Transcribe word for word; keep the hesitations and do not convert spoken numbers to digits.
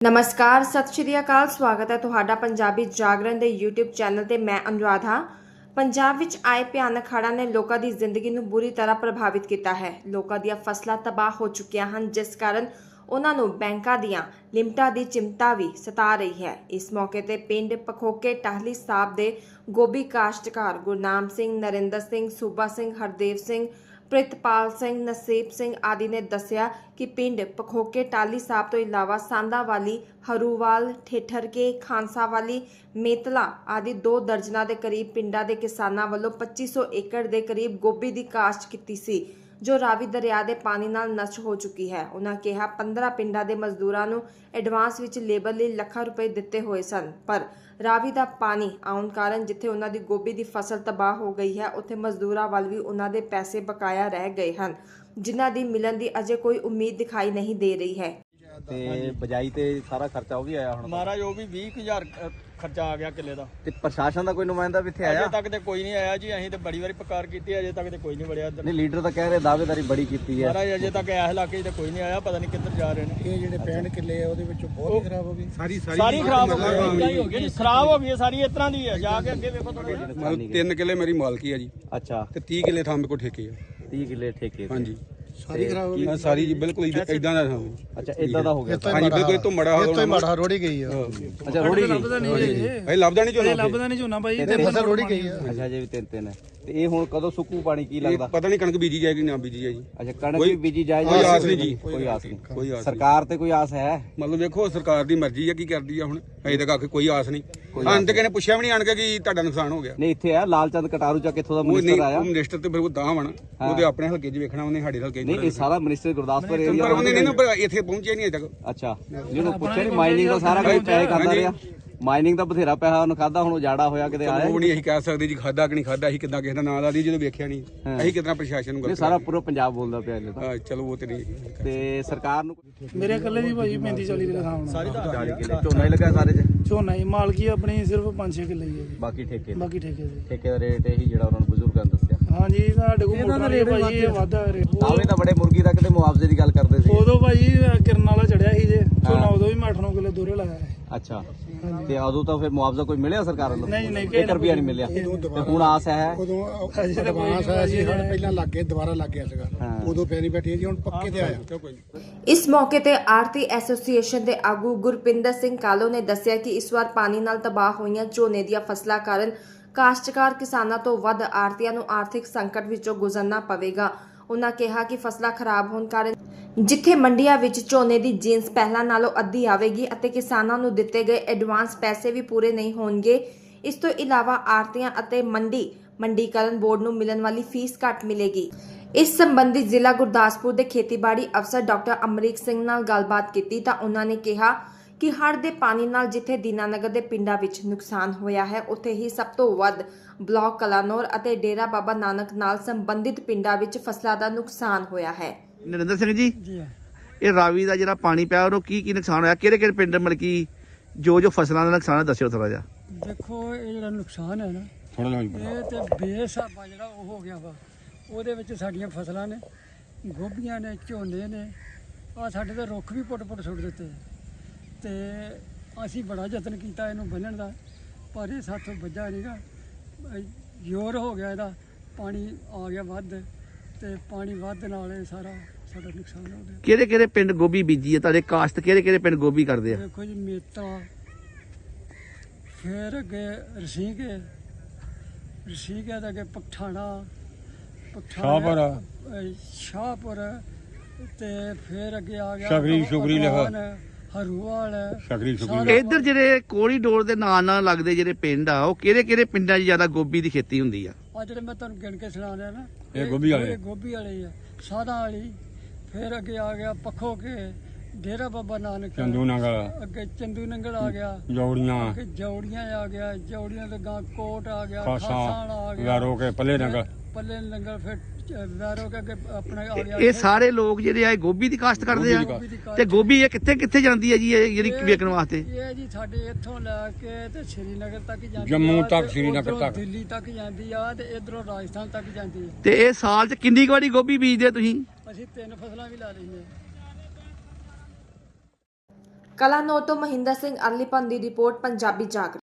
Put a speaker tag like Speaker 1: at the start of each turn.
Speaker 1: नमस्कार सत श्री अकाल स्वागत है तुहाडा पंजाबी जागरण ਦੇ YouTube ਚੈਨਲ ਤੇ ਮੈਂ ਅਨੁਰਾਧ ਹਾਂ। ਪੰਜਾਬ ਵਿੱਚ ਆਏ ਭਿਆਨਕ ਹੜ੍ਹਾਂ ਨੇ ਲੋਕਾਂ ਦੀ ਜ਼ਿੰਦਗੀ ਨੂੰ ਬੁਰੀ ਤਰ੍ਹਾਂ ਪ੍ਰਭਾਵਿਤ ਕੀਤਾ ਹੈ। ਲੋਕਾਂ ਦੀਆਂ ਫਸਲਾਂ ਤਬਾਹ ਹੋ ਚੁੱਕੀਆਂ ਹਨ, ਜਿਸ ਕਾਰਨ ਉਹਨਾਂ ਨੂੰ ਬੈਂਕਾਂ ਦੀਆਂ ਲਿਮਟਾਂ ਦੀ ਚਿੰਤਾ ਵੀ ਸਤਾ ਰਹੀ ਹੈ। ਇਸ ਮੌਕੇ ਤੇ ਪਿੰਡ ਪਖੋਕੇ ਟਾਹਲੀ ਸਾਹਿਬ ਦੇ ਗੋਭੀ ਕਾਸ਼ਤਕਾਰ ਗੁਰਨਾਮ ਸਿੰਘ, ਨਰਿੰਦਰ ਸਿੰਘ, ਸੂਬਾ ਸਿੰਘ, ਹਰਦੇਵ ਸਿੰਘ, ਪ੍ਰਿਤਪਾਲ ਸਿੰਘ, ਨਸੀਬ ਸਿੰਘ आदि ने दसिया कि पिंड पखोके टाली साहब तो इलावा सांदावाली, हरूवाल, ठेठरके, खांसावाली, मेतला आदि दो दर्जना के करीब पिंडा के किसानां वल्लों पच्चीस सौ एकड़ के करीब गोभी की काश्त की सी, जो रावी दरिया के पानी नाल नष्ट हो चुकी है। उन्होंने कहा पंद्रह पिंडा के मजदूरों को एडवांस विच लेबर लिए ਲੱਖਾਂ रुपए दिते हुए सन, पर ਰਾਵੀ ਦਾ ਪਾਣੀ ਆਉਣ ਕਾਰਨ ਜਿੱਥੇ ਉਹਨਾਂ ਦੀ ਗੋਭੀ ਦੀ ਫਸਲ ਤਬਾਹ ਹੋ ਗਈ ਹੈ, ਉੱਥੇ ਮਜ਼ਦੂਰਾਂ ਵੱਲ ਵੀ ਉਹਨਾਂ ਦੇ ਪੈਸੇ ਬਕਾਇਆ ਰਹਿ ਗਏ ਹਨ, ਜਿਨ੍ਹਾਂ ਦੀ ਮਿਲਣ ਦੀ ਅਜੇ ਕੋਈ ਉਮੀਦ ਦਿਖਾਈ ਨਹੀਂ ਦੇ ਰਹੀ ਹੈ।
Speaker 2: ਤੇ ਬਜਾਈ ਤੇ ਸਾਰਾ ਖਰਚਾ ਉਹ ਵੀ ਆਇਆ ਹੁਣ
Speaker 3: ਮਹਾਰਾਜ ਉਹ ਵੀ ਵੀਹ ਹਜ਼ਾਰ ਖਰਚਾ ਆ ਗਿਆ ਕਿੱਲੇ ਦਾ।
Speaker 2: ਤੇ ਪ੍ਰਸ਼ਾਸਨ ਦਾ ਕੋਈ ਨੁਮਾਇੰਦਾ ਵੀ ਇੱਥੇ ਆਇਆ?
Speaker 3: ਅਜੇ ਤੱਕ ਤੇ ਕੋਈ ਨਹੀਂ ਆਇਆ ਜੀ। ਅਸੀਂ ਤੇ ਬੜੀ ਵਾਰੀ ਪੁਕਾਰ ਕੀਤੀ, ਅਜੇ ਤੱਕ ਤੇ ਕੋਈ ਨਹੀਂ ਵੜਿਆ ਇੱਧਰ।
Speaker 2: ਨਹੀਂ, ਲੀਡਰ ਤਾਂ ਕਹਿ ਰਹੇ ਦਾਅਵੇਦਾਰੀ ਬੜੀ ਕੀਤੀ ਹੈ।
Speaker 3: ਮਹਾਰਾਜ ਅਜੇ ਤੱਕ ਇਸ ਇਲਾਕੇ 'ਚ ਤੇ ਕੋਈ ਨਹੀਂ ਆਇਆ, ਪਤਾ ਨਹੀਂ ਕਿੱਧਰ ਜਾ ਰਹੇ ਨੇ।
Speaker 4: ਇਹ ਜਿਹੜੇ ਪੈਣ ਕਿੱਲੇ ਆ ਉਹਦੇ ਵਿੱਚੋਂ ਬਹੁਤ ਖਰਾਬ ਹੋ ਗਈ। ਸਾਰੀ
Speaker 3: ਸਾਰੀ ਖਰਾਬ ਹੋ ਗਈ, ਹੋ ਗਈ ਖਰਾਬ ਹੋ ਗਈ ਸਾਰੀ। ਇਸ ਤਰ੍ਹਾਂ ਦੀ ਹੈ, ਜਾ ਕੇ ਅੱਗੇ ਵੇਖੋ ਥੋੜਾ ਜਿਹਾ।
Speaker 4: ਮਤਲਬ ਤਿੰਨ ਕਿੱਲੇ ਮੇਰੀ ਮਾਲਕੀ ਆ ਜੀ।
Speaker 2: ਅੱਛਾ,
Speaker 4: ਤੇ ਤੀਹ ਕਿੱਲੇ ਥਾਂ ਮੇਰੇ ਕੋਲ ਠੇਕੇ ਆ।
Speaker 2: ਤੀਹ ਕਿੱਲੇ ਠੇਕੇ ਤੇ।
Speaker 4: ਹਾਂਜੀ,
Speaker 2: ਸਾਰੀ ਖਰਾਬ ਹੋ ਗਈ।
Speaker 4: ਸਾਰੀ ਜੀ ਬਿਲਕੁਲ ਇਦਾਂ ਦਾ ਥਾਂ।
Speaker 2: ਅੱਛਾ, ਇਦਾਂ ਦਾ ਹੋ ਗਿਆ।
Speaker 4: ਹਾਂਜੀ, ਬਿਲਕੁਲ ਤੋਂ ਮੜਾ ਹੋ ਗਿਆ।
Speaker 5: ਮਾੜਾ ਰੋੜੀ ਗਈ ਆ।
Speaker 2: ਅੱਛਾ, ਰੋੜੀ ਗਈ।
Speaker 4: ਇਹ ਲੱਭਦਾ ਨਹੀਂ ਝੋਨਾ,
Speaker 5: ਲੱਭਦਾ ਨਹੀਂ ਝੋਨਾ ਬਾਈ, ਤੇ ਫਸਲ ਰੋੜੀ ਗਈ ਆ।
Speaker 2: ਅੱਛਾ, ਜੇ ਵੀ ਤਿੰਨ ਤਿੰਨ ਹੈ ਤੇ ਇਹ ਹੁਣ ਕਦੋਂ ਸੁੱਕੂ ਪਾਣੀ ਕੀ ਲੱਗਦਾ?
Speaker 4: ਪਤਾ ਨਹੀਂ ਕਣਕ ਬੀਜੀ ਜਾਏਗੀ ਨਾ ਬੀਜੀ ਜਾਏਗੀ।
Speaker 2: ਅੱਛਾ, ਕਣਕ ਵੀ ਬੀਜੀ ਜਾਏ?
Speaker 4: ਕੋਈ ਆਸ ਨਹੀਂ ਜੀ,
Speaker 2: ਕੋਈ ਆਸ ਨਹੀਂ।
Speaker 4: ਕੋਈ ਆਸ
Speaker 2: ਸਰਕਾਰ ਤੇ ਕੋਈ ਆਸ ਹੈ?
Speaker 4: ਮਤਲਬ ਵੇਖੋ ਸਰਕਾਰ ਦੀ ਮਰਜ਼ੀ ਆ, ਕੀ ਕਰਦੀ ਆ ਹੁਣ। ਅਜੇ ਤੱਕ ਆਖੇ ਕੋਈ ਆਸ ਨਹੀਂ। ਅੰਤ ਕਿਸੇ ਨੇ ਪੁੱਛਿਆ ਵੀ ਨਹੀਂ ਆਣ ਕੇ ਕਿ ਤੁਹਾਡਾ ਨੁਕਸਾਨ ਹੋ ਗਿਆ।
Speaker 2: ਨਹੀਂ, ਇੱਥੇ ਆ ਲਾਲਚੰਦ ਕਟਾਰੂ ਚਾ ਕਿੱਥੋਂ ਦਾ
Speaker 4: ਉਹ
Speaker 2: ਮਿਨਿਸਟਰ
Speaker 4: ਨਹੀਂ,
Speaker 2: ਆਇਆ?
Speaker 4: ਉਹ ਮਿਨਿਸਟਰ ਤੇ ਫਿਰ ਉਹ ਦਾਹ ਵਣ ਉਹਦੇ ਆਪਣੇ ਹਲਕੇ 'ਚ ਵੇਖਣਾ, ਉਹਨੇ ਸਾਡੇ ਹਲਕੇ 'ਚ
Speaker 2: ਨਹੀਂ, ਇਹ ਸਾਰਾ ਮਿਨਿਸਟਰ ਗੁਰਦਾਸਪੁਰ ਏਰੀਆ।
Speaker 4: ਪਰ ਉਹਨੇ ਨਹੀਂ ਨਾ, ਪਰ ਇੱਥੇ ਪਹੁੰਚਿਆ ਨਹੀਂ ਅਜੇ ਤੱਕ।
Speaker 2: ਅੱਛਾ, ਜਿਹਨੂੰ ਪੁੱਛਿਆ ਨਹੀਂ, ਮਾਈਨਿੰਗ ਦਾ ਸਾਰਾ ਕੁਝ ਪੈਸੇ ਖਾਂਦਾ ਰਿਹਾ। ਮਾਈਨਿੰਗ ਦਾ ਬਥੇਰਾ ਪੈਸਾ ਉਹਨੂੰ ਖਾਦਾ, ਹੁਣ ਉਜਾੜਾ ਹੋਇਆ ਕਿਤੇ ਆਇਆ?
Speaker 4: ਉਹ ਨਹੀਂ ਅਸੀਂ ਕਹਿ ਸਕਦੇ ਜੀ ਖਾਦਾ ਕਿ ਨਹੀਂ ਖਾਦਾ। ਅਸੀਂ ਕਿੱਦਾਂ ਕਿਸੇ ਦਾ ਨਾਂ ਲਾ ਦੀ ਜਦੋਂ ਵੇਖਿਆ ਨਹੀਂ। ਅਸੀਂ ਕਿੱਦਾਂ ਪ੍ਰਸ਼ਾਸਨ ਨੂੰ
Speaker 2: ਇਹ ਸਾਰਾ ਪੂਰਾ ਪੰਜਾਬ ਬੋਲਦਾ ਪਿਆ ਇਹਨੇ ਤਾਂ।
Speaker 4: ਹਾਂ, ਚਲੋ ਉਹ ਤੇ ਨਹੀਂ।
Speaker 2: ਤੇ ਸਰਕਾਰ ਨੂੰ
Speaker 5: ਮੇਰੇ ਇਕੱਲੇ ਦੀ ਭਾਈ ਪੈਂਤੀ ਚਾਲੀ ਕਿੱਲੇ ਥਾਂ ਹੋਣਾ।
Speaker 2: ਚਾਲੀ ਕਿੱਲੇ ਝੋਨਾ ਹੀ ਲੱਗਾ ਸਾਰੇ ਚ?
Speaker 5: ਝੋਨਾ ਹੀ ਮਾਲਕੀ ਆਪਣੀ ਸਿਰਫ ਪੰਜ ਛੇ ਕਿੱਲੇ ਹੀ ਹੈ ਜੀ,
Speaker 2: ਬਾਕੀ ਠੇਕੇ?
Speaker 5: ਬਾਕੀ ਠੇਕੇ ਦੇ।
Speaker 2: ਠੇਕੇ ਦਾ ਰੇਟ ਇਹੀ ਜਿਹੜਾ ਉਹਨਾਂ ਨੂੰ ਬਜ਼ੁਰਗਾਂ ਨੇ ਦੱਸਿਆ।
Speaker 5: ਹਾਂਜੀ, ਸਾਡੇ ਕੋਲ ਮੋਟਰ ਰੇਟ ਭਾਈ ਇਹ ਵਾਧਾ ਰੇਟ।
Speaker 2: ਆਵੇਂ ਤਾਂ ਬੜੇ ਮੁਰਗੀ ਦਾ ਕਿਤੇ ਮੁਆਵਜ਼ੇ ਦੀ ਗੱਲ ਕਰਦੇ ਸੀ।
Speaker 5: ਉਦੋਂ ਭਾਈ ਕਿਰਨ ਵਾਲਾ ਚੜਿਆ ਸੀ ਜੇ ਝੋਨਾ, ਉਦੋਂ ਵੀ ਮੈਂ ਅੱਠ ਨੌ ਕਿੱਲੇ ਦੋਰੇ ਲਾਇਆ ਹੈ।
Speaker 2: ਅੱਛਾ, ਤੇ ਉਦੋਂ ਤਾਂ ਫਿਰ ਮੁਆਵਜ਼ਾ ਕੋਈ ਮਿਲਿਆ ਸਰਕਾਰ ਵੱਲੋਂ?
Speaker 5: ਨਹੀਂ ਨਹੀਂ,
Speaker 2: ਇੱਕ ਰੁਪਿਆ ਨਹੀਂ ਮਿਲਿਆ। ਤੇ ਹੁਣ ਆਸ ਹੈ?
Speaker 4: ਉਦੋਂ ਐਡਵਾਂਸ ਆਇਆ ਸੀ, ਸਾਡੇ ਪਹਿਲਾਂ ਲੱਗ ਕੇ ਦੁਬਾਰਾ ਲੱਗ ਗਿਆ ਸੀਗਾ। ਉਦੋਂ ਫੇਰ ਨਹੀਂ ਬੈਠੀ ਜੀ, ਹੁਣ ਪੱਕੇ ਤੇ ਆਇਆ।
Speaker 1: ਇਸ ਮੌਕੇ ਤੇ ਆਰਤੀ ਐਸੋਸੀਏਸ਼ਨ ਦੇ ਆਗੂ ਗੁਰਪਿੰਦਰ ਸਿੰਘ ਕਾਲੋ ਨੇ ਦੱਸਿਆ ਕਿ ਇਸ ਵਾਰ ਪਾਣੀ ਨਾਲ ਤਬਾਹ ਹੋਈਆਂ ਝੋਨੇ ਦੀਆਂ ਫਸਲਾਂ ਕਾਰਨ ਕਾਸ਼ਤਕਾਰ ਕਿਸਾਨਾਂ ਤੋਂ ਵੱਧ ਆੜ੍ਹਤੀਆਂ ਨੂੰ ਆਰਥਿਕ ਸੰਕਟ ਵਿੱਚੋਂ ਗੁਜ਼ਰਨਾ ਪਵੇਗਾ। ਉਹਨਾਂ ਕਿਹਾ ਕਿ ਫਸਲਾਂ ਖਰਾਬ ਹੋਣ ਕਾਰਨ ਜਿੱਥੇ ਮੰਡੀਆਂ ਵਿੱਚ ਝੋਨੇ ਦੀ ਜੀਨਸ ਪਹਿਲਾਂ ਨਾਲੋਂ ਅੱਧੀ ਆਵੇਗੀ ਅਤੇ ਕਿਸਾਨਾਂ ਨੂੰ ਦਿੱਤੇ ਗਏ ਐਡਵਾਂਸ ਪੈਸੇ ਵੀ ਪੂਰੇ ਨਹੀਂ ਹੋਣਗੇ। ਇਸ ਤੋਂ ਇਲਾਵਾ ਆੜ੍ਹਤੀਆਂ ਅਤੇ ਮੰਡੀ ਮੰਡੀਕਰਨ ਬੋਰਡ ਨੂੰ ਮਿਲਣ ਵਾਲੀ ਫੀਸ ਘੱਟ ਮਿਲੇਗੀ। ਇਸ ਸੰਬੰਧੀ ਜ਼ਿਲ੍ਹਾ ਗੁਰਦਾਸਪੁਰ ਦੇ ਖੇਤੀਬਾੜੀ ਅਫਸਰ ਡਾਕਟਰ ਅਮਰੀਕ ਸਿੰਘ ਨਾਲ ਗੱਲਬਾਤ ਕੀਤੀ ਤਾਂ ਉਹਨਾਂ ਨੇ ਕਿਹਾ ਕਿ ਹੜ੍ਹ ਦੇ ਪਾਣੀ ਨਾਲ ਜਿੱਥੇ ਦੀਨਾਨਗਰ ਦੇ ਪਿੰਡਾਂ ਵਿੱਚ ਨੁਕਸਾਨ ਹੋਇਆ ਹੈ, ਉੱਥੇ ਹੀ ਸਭ ਤੋਂ ਵੱਧ ਬਲਾਕ ਕਲਾਨੌਰ ਅਤੇ ਡੇਰਾ ਬਾਬਾ ਨਾਨਕ ਨਾਲ ਸੰਬੰਧਿਤ ਪਿੰਡਾਂ ਵਿੱਚ ਫਸਲਾਂ ਦਾ ਨੁਕਸਾਨ ਹੋਇਆ ਹੈ।
Speaker 6: ਨਰਿੰਦਰ ਸਿੰਘ ਜੀ, ਇਹ ਰਾਵੀ ਦਾ ਜਿਹੜਾ ਪਾਣੀ ਪਿਆ ਉਹਨੂੰ ਕੀ ਕੀ ਨੁਕਸਾਨ ਹੋਇਆ? ਕਿਹੜੇ ਕਿਹੜੇ ਪਿੰਡ ਮਤਲਬ ਕਿ ਜੋ ਜੋ ਫਸਲਾਂ ਦਾ ਨੁਕਸਾਨ ਹੈ ਦੱਸਿਓ ਥੋੜਾ ਜਿਹਾ।
Speaker 7: ਦੇਖੋ, ਇਹ ਜਿਹੜਾ ਨੁਕਸਾਨ ਹੈ ਨਾ, ਇਹ ਤੇ ਬੇਸਾਬਾ ਜਿਹੜਾ ਉਹ ਹੋ ਗਿਆ ਵਾ। ਉਹਦੇ ਵਿੱਚ ਸਾਡੀਆਂ ਫਸਲਾਂ ਨੇ, ਗੋਭੀਆਂ ਨੇ, ਝੋਨੇ ਨੇ, ਆ ਸਾਡੇ ਤਾਂ ਰੁੱਖ ਵੀ ਪੁੱਟ ਪੁੱਟ ਸੁੱਟ ਦਿੱਤੇ। ਤੇ ਅਸੀਂ ਬੜਾ ਯਤਨ ਕੀਤਾ ਇਹਨੂੰ ਬੰਨਣ ਦਾ, ਪਰ ਇਹ ਸਾਥੋਂ ਵੱਜਾ ਨਹੀਂਗਾ। ਜ਼ੋਰ ਹੋ ਗਿਆ ਇਹਦਾ, ਪਾਣੀ ਆ ਗਿਆ ਵੱਧ, ਤੇ ਪਾਣੀ ਵੱਧ ਨਾਲ ਇਹ ਸਾਰਾ ਸਾਡਾ ਨੁਕਸਾਨ ਹੋ ਗਿਆ।
Speaker 6: ਕਿਹੜੇ ਕਿਹੜੇ ਪਿੰਡ ਗੋਭੀ ਬੀਜੀ ਹੈ ਤੁਹਾਡੇ? ਕਾਸ਼ਤ ਕਿਹੜੇ ਕਿਹੜੇ ਪਿੰਡ ਗੋਭੀ ਕਰਦੇ ਆ?
Speaker 7: ਦੇਖੋ ਜੀ, ਮੇਤਾ, ਫਿਰ ਅੱਗੇ ਰਸੀਕੇ, ਰਸੀਕੇ ਦਾ ਅੱਗੇ ਪਠਾਣਾ, ਪਠਾਣਾ, ਸ਼ਾਹਪੁਰ, ਤੇ ਫਿਰ ਅੱਗੇ ਆ ਗਿਆ ਸ਼ਗਰੀ ਸ਼ੁਗਰੀ ਹਰੂਵਾਲ, ਸ਼ਗਰੀ ਸ਼ੁਗਰੀ।
Speaker 6: ਇੱਧਰ ਜਿਹੜੇ ਕੋਰੀਡੋਰ ਦੇ ਨਾਲ ਨਾਲ ਲੱਗਦੇ ਜਿਹੜੇ ਪਿੰਡ ਆ, ਉਹ ਕਿਹੜੇ ਕਿਹੜੇ ਪਿੰਡਾਂ 'ਚ ਜ਼ਿਆਦਾ ਗੋਭੀ ਦੀ ਖੇਤੀ ਹੁੰਦੀ ਆ?
Speaker 7: ਆ ਜਿਹੜੇ ਮੈਂ ਤੁਹਾਨੂੰ ਗਿਣ ਕੇ ਸੁਣਾ ਰਿਹਾ ਨਾ,
Speaker 4: ਇਹ ਗੋਭੀ ਵਾਲੇ,
Speaker 7: ਇਹ ਗੋਭੀ ਵਾਲੇ ਆ, ਸਾਦਾ ਵਾਲੀ। ਫਿਰ ਅੱਗੇ ਆ ਗਿਆ ਪੱਖੋ ਕੇ ਡੇਰਾ ਬਾਬਾ ਨਾਨਕ,
Speaker 4: ਚੰਦੂ ਨੰਗਲ,
Speaker 7: ਅੱਗੇ ਚੰਦੂ ਨੰਗਲ ਆ ਗਿਆ,
Speaker 4: ਜੌੜੀਆਂ,
Speaker 7: ਅੱਗੇ ਜੌੜੀਆਂ ਆ ਗਿਆ, ਜੌੜੀਆਂ ਤੋਂ ਗਾਂ ਕੋਟ ਆ ਗਿਆ,
Speaker 4: ਖਾਸਾਂ,
Speaker 7: ਖਾਸਾਂ ਆ ਗਿਆ,
Speaker 4: ਵੈਰੋ ਕੇ ਪੱਲੇ ਨੰਗਲ,
Speaker 7: ਪੱਲੇ ਨੰਗਲ, ਫਿਰ ਵੈਰੋ ਕੇ ਅੱਗੇ ਆਪਣਾ ਆ ਗਿਆ।
Speaker 6: ਇਹ ਸਾਰੇ ਲੋਕ ਜਿਹੜੇ ਆ ਇਹ ਗੋਭੀ ਦੀ ਕਾਸ਼ਤ ਕਰਦੇ ਆ। ਤੇ ਗੋਭੀ ਇਹ ਕਿੱਥੇ ਕਿੱਥੇ ਜਾਂਦੀ ਹੈ ਜੀ, ਇਹ ਜਿਹੜੀ ਵੇਚਣ ਵਾਸਤੇ?
Speaker 7: ਇਹ ਜੀ ਸਾਡੇ ਇੱਥੋਂ ਲੈ ਕੇ ਤੇ ਸ਼੍ਰੀਨਗਰ ਤੱਕ ਜਾਂਦੀ,
Speaker 4: ਜੰਮੂ ਤੱਕ, ਸ਼੍ਰੀਨਗਰ ਤੱਕ,
Speaker 7: ਦਿੱਲੀ ਤੱਕ ਜਾਂਦੀ ਆ, ਤੇ ਇਧਰੋਂ ਰਾਜਸਥਾਨ ਤੱਕ ਜਾਂਦੀ ਹੈ।
Speaker 6: ਤੇ ਇਹ ਸਾਲ 'ਚ ਕਿੰਨੀ ਕੁ ਵਾਰੀ ਗੋਭੀ ਬੀਜਦੇ ਤੁਸੀਂ?
Speaker 7: ਅਸੀਂ ਤਿੰਨ ਫਸਲਾਂ ਵੀ ਲਾ ਲਈਆਂ।
Speaker 1: ਕਲਾਨੌਰ ਤੋਂ ਮਹਿੰਦਰ ਸਿੰਘ ਅਰਲੀਪਨ ਦੀ ਰਿਪੋਰਟ ਪੰਜਾਬੀ ਜਾਗਰਣ।